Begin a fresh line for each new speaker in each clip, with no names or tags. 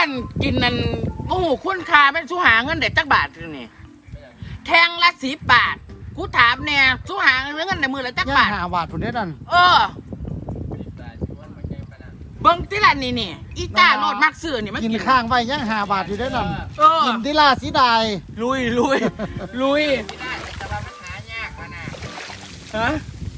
อันกินนั่นโอ้โหคุณค่าเป็นสู้หาเงินเด็ดจักบาทนี่แทงละ10 บาทกูถามเนี่ยสู้หาเงินในมือละจักบาท
5 บาทพุ่นเด้อนั่น
เบิ้งที่ละนี่อีตาโลดมักซื้อนี่มัน
กิน
กิน
ข้างไว้ยัง5 บาทอยู่เด้อนั่นกินที่ลาสีดาย
ลุย
ไม่ได้แต่ว่ามันหายากนะ
ฮะ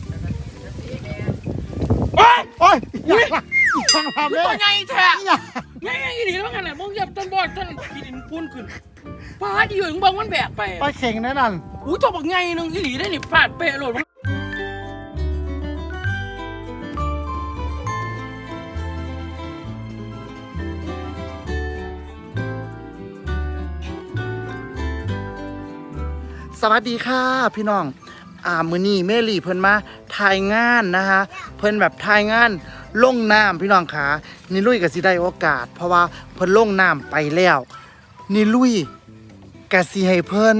โอ้ยทางภาพ
ตั
เล
วย ใหญ่แท้ใหญ่อีหลีแล้วกันน่ะมึงเหยียบต้นบอดต้นกินปุ้นขึ้นฟ้าดีอยู่มึงเบิ่งมันแบกไป
ไปเข่งเด้อนั่น
อู้ตัวบักใหญ่นึงอีหลีได้นี่ฟาดเปะโลด
สวัสดีค่ะพี่น้องมื้อนี้เมลี่เพิ่นมาถ่ายงานนะคะเพิ่นแบบถ่ายงานลงน้ำพี่น้องขานี่ลุยก็สิได้โอกาสเพราะว่าเพิ่นลงน้ำไปแล้วนี่ลุยก็สิให้เพิ่น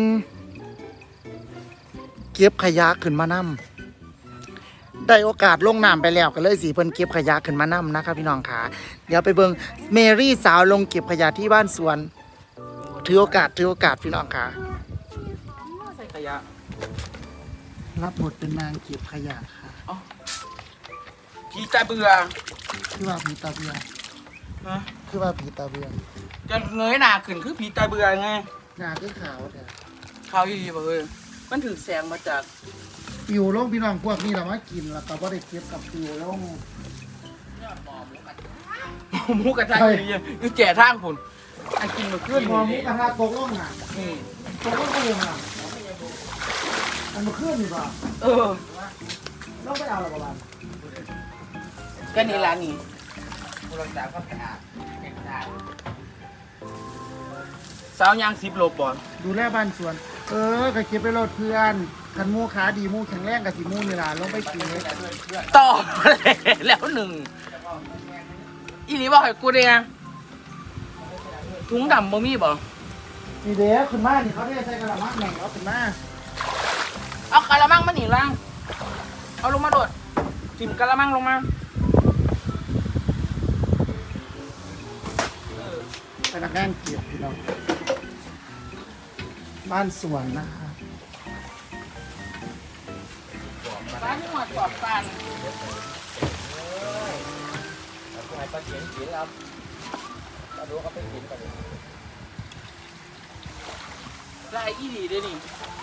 เก็บขยะขึ้นมานำได้โอกาสลงน้ำไปแล้วก็เลยสิเพิ่นเก็บขยะขึ้นมานำนะคะพี่น้องขาเดี๋ยวไปเบิ่งเมรี่สาวลงเก็บขยะที่บ้านสวนถือโอกาสพี่น้องขา
ขยะ
รับบทเป็นนางเก็บขยะค่ะ
ผีตาเบื่อ
คือว่าผีตาเบื่อ
ฮะ
คือว่าผีตาเบื่อ
จะเงยหน้าขึ้นคือผีตาเบื่อไง
หน้าคือขาวแต่
ขาวอีบ่เอ้ยมันถือแสงมาจาก
ปิวลงพี่น้องพวกนี้เรามากินแล้วก็บ่ได้เก็บกับปิวลง
หมูกระทะอยู่แก่ทางคุณอันกินมาขึ้น
หมูกระทะตกลงอ่ะตกลงก็ยังอ่ะอันมาขึ้นนี่ป่ะเราไปเอาอะไรประมาณ
ก็นี่ร้านนี้
ผู้รักษาความสะอาดเป็นสะอาด
สาวยาง10 โลบอล
ดูแลบ้านสวนก็เก็บไปโลดเพื่อนคันมูขาดีมูแข็งแรงกับสีมูนี่ล่ะลงไปกินเลย
ต่อแล้วหนึ่งอีหลีบอกให้กูเด้ถุงดำบ่มีบ่
นี่เด้อขึ้นมานี่เขาได้ใส่กระมังแหน่งเอาขึ้นมา
เอากระมังมาหนีล่างเอาลงมาโดดจิ้มกระมังลงมา
พนักงานเก็บพี่น้องบ้านสวนนะคะ
บ้านที่หัวจอบกัน
แล้วก็ให้ปลาเขียนกินครับปลาดูเขาไปกินกันเลย
ลายอีหลีด้วยนี่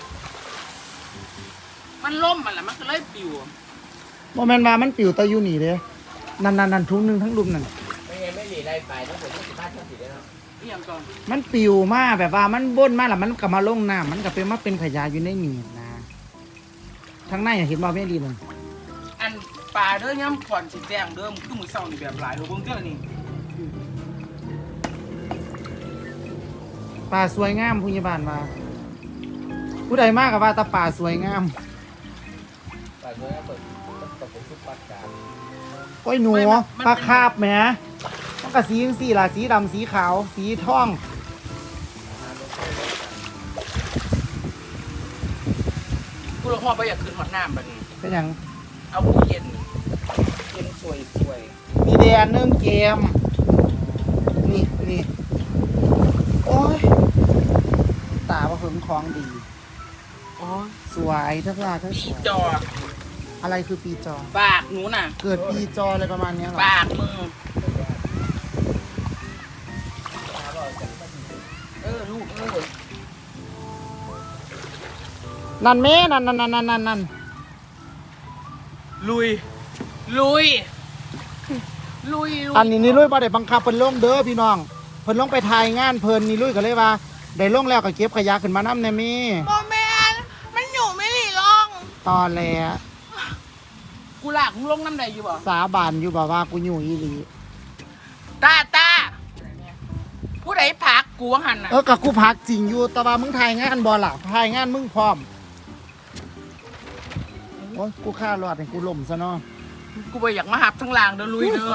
มันล่มมันแหละมันก็เลยปิว
โมเมนต์มามันปิวตะยูหนีเลยนั่นทุ่งนึงทั้งลุมนั่น
ไม่หลีไรไปทั้งหมด20 บ้านทั้ง40แล้ว
มันปิวมาแบบว่ามันบ้นมาแล้วมันกลับมาลงน้ำมันกลับเป็นมาเป็นขยะอยู่ในหนีนะทั้งในเห็นบ่ไม่ดีเลย
อันปลาเด้อย่ำผ่อนสีแดงเดิมคือมือเศร้านี่แบบหลายโลเบิ้งเจ้านี่
ป่าสวยงามผู้ใหญ่บ้านมาผู้ใดมากกับว่าตาป่าสวยงาม
ป่าสวยงามเปิดตกเป็นชุดปัดกา
ก้อยหนูปลาคาบแหมมันก็สีสีล่ะสีดำสีขาวสีทอง
กูลงหัวไปอยากขึ้นหอดน้ำแบบนี้
เป็นอย่าง
เอาผู้เย็นสวย
มีแดนเนื่องเกมนี่โอ้ยตาว่าเพิ่งคล้องดี
โอ้ย
สวยทั้งลาทั้งสวย
จอ
อะไรคือปีจอ
ปากหนูน่ะ
เกิดปีจออะไรประมาณนี้หรอ
ปากมือลูก
นั่นแม่นั่น
ลุย
อันนี้นี่ลุยบ่ได้บังคับเพิ่นลงเด้อพี่น้องเพิ่นลงไปถ่ายงานเพิ่นนี่ลุยก็เลยว่าได้ลงแล้วก็เก็บขยะขึ้นมานำแน่แม่
บ่แม่นมันอยู่ไม่หลีลง
ตอนแล้ว
กูลากมึงลงน้ำใดอยู่บ่
สาบานอยู่บ่ว่ากูอยู่อีหลี
ตาผู้ใดพักกูว่าหันน่ะ
กับกูพักจริงอยู่แต่ว่ามึงถ่ายงานบ่ล่ะถ่ายงานมึงพร้อมโอ้ยกูฆ่ารอดให้กูล่มซะเนาะ
กูไปอยากมาหับทั้งลางเด้อลุยเด้อ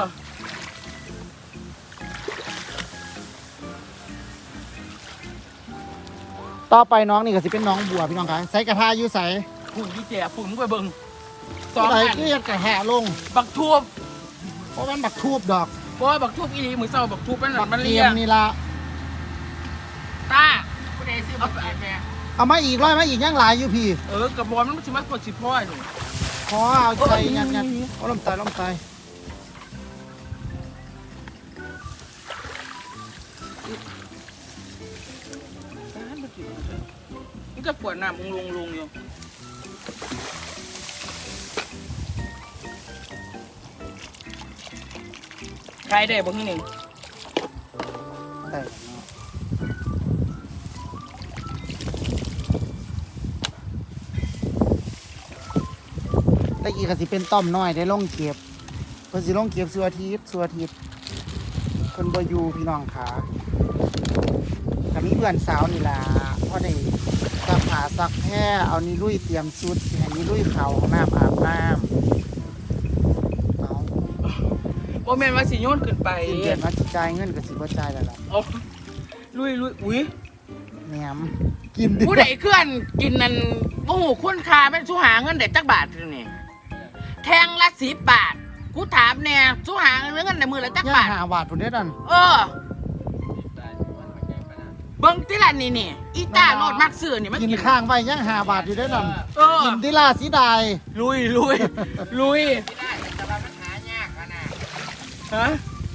ต่อไปน้องนี่ก็สิเป็นน้องบัวพี่น้องคะใส่กระทาอยู่ใส่
ฝุ่นที่แก่ฝุ่นมึงไปเบิ่ง
2 อันเกลียดกระแห่ลง
บักทูบ
เพราะมันบักทูบดอก
บ่บักทุบอีหลีมือเศร้าบักทุบมัน
บัก
มัน
เที
เลี
ย
ย
มนี่ละ
ตาผู้ใดซื้อบักแม่
เอามาอีกร้อยมาอีกยังหลายอยู่พี่
กระบอกมันสิมาปวดสิพ่อนี่
ขอเอาใจยัดเอาลมตายลมตาย
มันจะปวดหน้ามึงลงอยู่ใครได้บ่ที่หนึ่ง
ได้ตะกี้ก็สิเป็นต้อมน้อยได้ลงเก็บเพิ่นสิลงเก็บสัวอาทิตย์เพิ่นบ่อยู่พี่น้องขาก็มีเพื่อนสาวนี่ล่ะพอได้ซักผ้าซักแพร่เอานี่ลุยเตรียมชุดสิให้นี่ลุยเข้าห้องน้ำอาบน้ำเอา
บ่แม่นว่าสิโยนขึ้นไป
สิ้นเดือนมาสิจ่ายเงินก็สิบ่จ่ายแล้วล่ะ
เอาลุยอุ้ย
แหนมกินดิ
ผู้ใดเคลื่อนกินนั่นโอ้โหคุณค่าแม่นสู้หาเงินได้จักบาทอยู่นี่แทงละ10 บาทกูถามแน่สู้หาเงินได้มือละจัก
ย่า
บาท
หาบาทพุ่นเด้อนั่น
เบิ่งติละนี่อีตาโลดมักซื้อนี่มัน
กิน
กิน
ข้างไว้ย่างหาบาทอยู่เด้อนั่น กินดิลาสีดาย
ลุยฮะ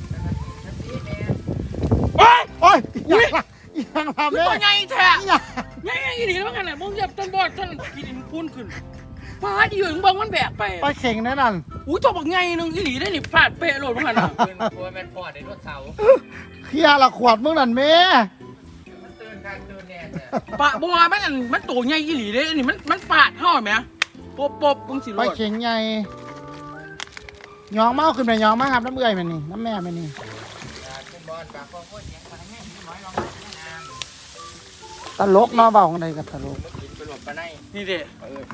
โอ้ยยังทำ
คือ
ได้
ตัวใหญ่แท้
ยัง
ใหญ่อีหลีแล้วมันขนาดมึงเหยียบต้นบอดต้นกินพุ่นขึ้นฟ้าดีอยู่มึงเบิ่งมันแบกไป
ไปเข่งแน่นั่น
อุ้ยตัวบักใหญ่นึงอีหลีได้นี่ฟาดเป๊ะโลดมันขนาด
เป็นโวยแมนพอดในรถเสา
เคลียร์ละขวดมึงนั่นแม่
มันตื่นกันตื่นแน่เนี่ย
ปะบัวมันตัวใหญ่อีหลีเด้อันนี้มันฟาดเฮาแหมปบมึงสิโล
ไป
ด
เข่งใหญ่ยองเมาขึ้นไปยองมาครับน้ำเอื่อยมันนี่น้ำแม่มันนี่
ขึ้นบอลปากโคตรเสียงมาแห้งน้อยลองน้ำ
ตลกเนาะเบาของใดกับตลก
มันกินไปหลบไปใน
นี่เด้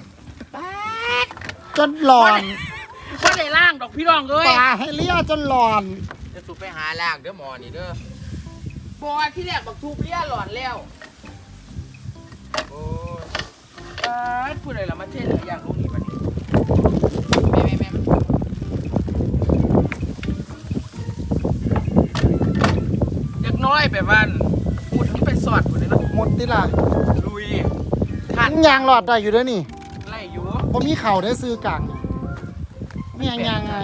จนหลอน
บ่ได้ล่างดอกพี่น้องเอ้ย
ปลาให้เลี้ยจนหลอน
จะสุไปหาล่างเด้อหมอนี่เด้อ
บ่ที่แรกบักทูบเลี้ยหลอนแล้ว
โอ้ย
พูดอะไรล่ะมาเช่นอย่างลูกนี่บัดนี้
แม่
เด็กน้อยแบบว่าพูดทั้งไปสอดพุ่นเลยเนาะ
หมดติล่ะ
ลุย
ยางหลอดได้อยู่เด้อนี่
ไล่อยู่
ผมมีเข่าได้ซื้อกลางไม่ยังไง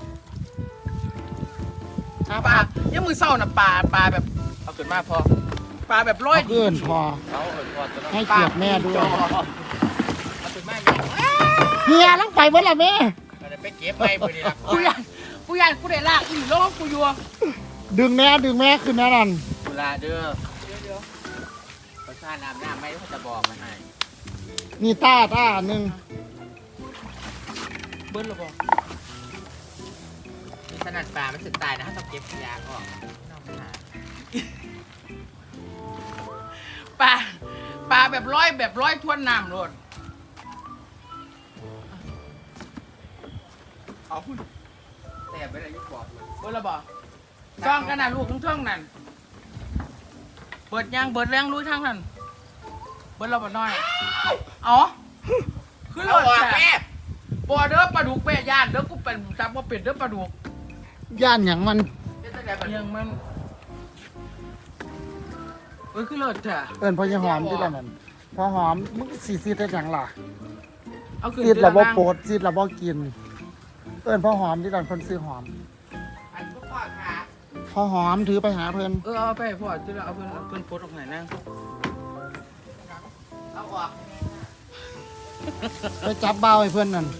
ปลายังมือเศร้านะปลาแบบ
เอาขึ้นมาพอ
ปลาแบบร้อย
เกินพอ
เอาพอตัวนั้น
ให้เกียรติแม่ด้วย
เอาขึ้นมาแม่
เฮียลังไปเมื่อไหร่แม่
เราจะไปเก็บไม้พอดีละ
กูอยากกูได้ลากอีโลกกูอยู่
ดึงแม่ขึ้นแน่นอน
เวลาเด้อประชาน้ำไม่เขาจะบอกมาให้
นี่ต้าหนึ่ง
เบิ้ลหรอบอก
นี่ขนาดปลามันสึกตายนะถ้าต้องเก็บขยะออกน้องหา
ปลาแบบร้อยทวนน้ำโลด
เอาคุณแต่ไม่ได้ยุบบอกเลย
เบิ้ลหรอบอกซ่องกันนะลูกทั้งช่องนั่นเบิดยังเบิดแรงลุยทางนั้นเบิ้ลหรอบอกน้อยอ๋อคือโลด
แม่
แม่บ่เด้อปลาดุกแม่ย่านเด้อกูเป็นจับว่าเป็นเด้อปลาดุก
ย่านอย่างมัน
ยังมันคือเลิศจ้ะ
เอิญพอยายหอมที่ละนั่นพอหอมมึงสีซีดได้จังล่ะ
เอาขึ้น
ซีดระบ่โปรดซีดระบ่กิน เอิญพอหอมที่ละคนซื้อหอม
อันพวกพ่อค่ะ
พอหอมถือไปหาเพิ่น
เอาไปพ่อจะเอาเพิ่นโพสออกไหนนะ
เอาออก
ไปจับเบ้าให้เพิ่นนั่น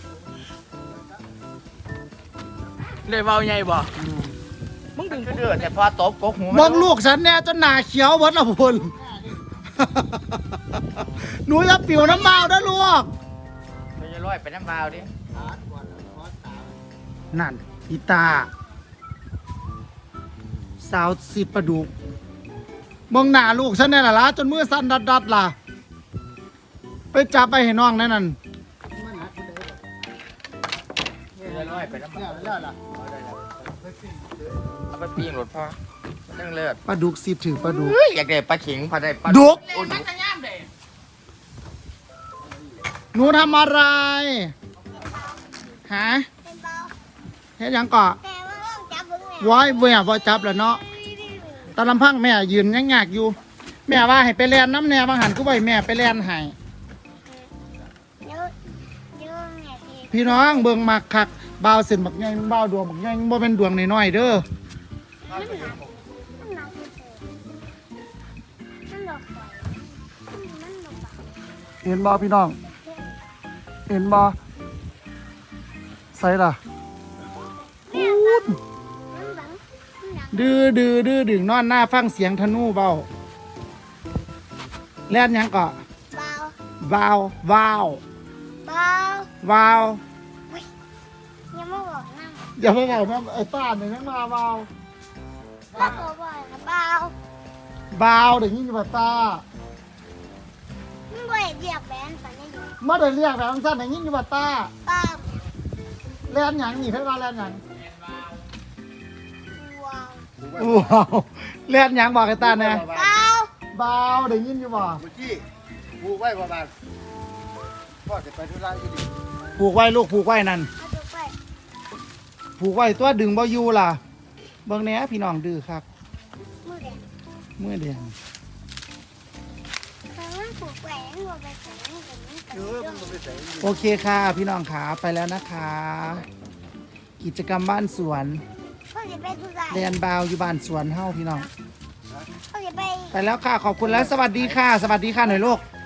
ได้เบาใหญ่บ่
อืม
มึงดึง
เดือดแต่พอตบกกหู
มองลูกฉันเนี่ยจนหนาเขียวเบิดละพุ่น หนูอย่าปิวน้ำเมานะลูก
มันจะลอยไปน้ำบาวดิ
นั่นอีตา สาวสิปลาดุกมองหน้าลูกฉันเนี่ยล่ะจนมือสั่นดัดล่ะ ไปจับไปให้น้องนั่น
จะลอยไปน้ำบาวเอาไปปีงรถพ่อเรื่องเลือด
ปลาดุกสิถือปลาดุก
อยากได้ปลาขิงพอได้ปลา
ดุก
เล่นมันจะย่ามเด้
หนูทำอะไรฮะ
เป็นเบา
เฮ็ดหยังเกาะ
แต่ว่าต้องจับเบิ้งแหน
ว้ายแม่บ่จับแล้วเนาะตาลำพังแม่ยืนยังยากอยู่ แม่ว่าให้ไปแล่นน้ำแน่บางหันก็บ่ให้แม่ไปแล่นให้
เดี๋ยวแม่พี่
พี่น้องเบิ่งมักคักบ่าวเส้นบักใหญ่บ่าวดวงบักใหญ่บ่เป็นดวงน้อยๆเด้อ
มันหนักมันหนักที่สุดมันหลอกไฟมันหลอกปาก
เห็นบ่พี่น้อง เห็นบ่ใส่ล่ะ
แม่ครับมันหลังมันหนัก
ดื้อดึงนอนหน้าฟังเสียงธนูเบาแล่นหยังก็
เบาว
วาว
เบาว
วาว
ยังไม่บอกนั่ง
อย่าไปบอกนะไอ้ป้าเนี่ยยังมาวาว
แล้วก็บอกนะเบาว
วาวเดี๋ยวนี้อยู่บ่ตา
มันบ่อยเรียกแบนปานนี้อยู่
มาได้เรียกแบบสั้นๆอย่างนี้อยู่บ่ตา
เบาว
แล่นหยังนี่เพิ่นว่าแล่นหยัง
ว้าว
ว้าวแล่นหยังบอกไอ้ตาแน่
เบาว
วาวเดี๋ยวนี้อยู่บ่
เมื่อกี้ผูกไว้ประมาณพ่อจะไปธุระอยู่ดิ
ผูกไว้ลูกผูกไว้นั่น
เอาตัวไป
ผูกไว้ตัวดึงบ่อยู่ล่ะเบิ่งแหน่พี่น้องดื้อครับ
มือแดง
มือแดง
แต่มันผูกแหวนหัวไปแขนกับมันกับ
เออมันก็ไปใส่
โอเคค่ะพี่น้องขาไปแล้วนะคะ กิจกรรมบ้านสวน
เขาจะไปทุกอย่าง
เรียนบาวอยู่บ้านสวนเฮาพี่น้อง
เขาจะไป
ไปแล้วค่ะขอบคุณแล้วสวัสดีค่ะ สวัสดีค่ะหน่อยลูก
ส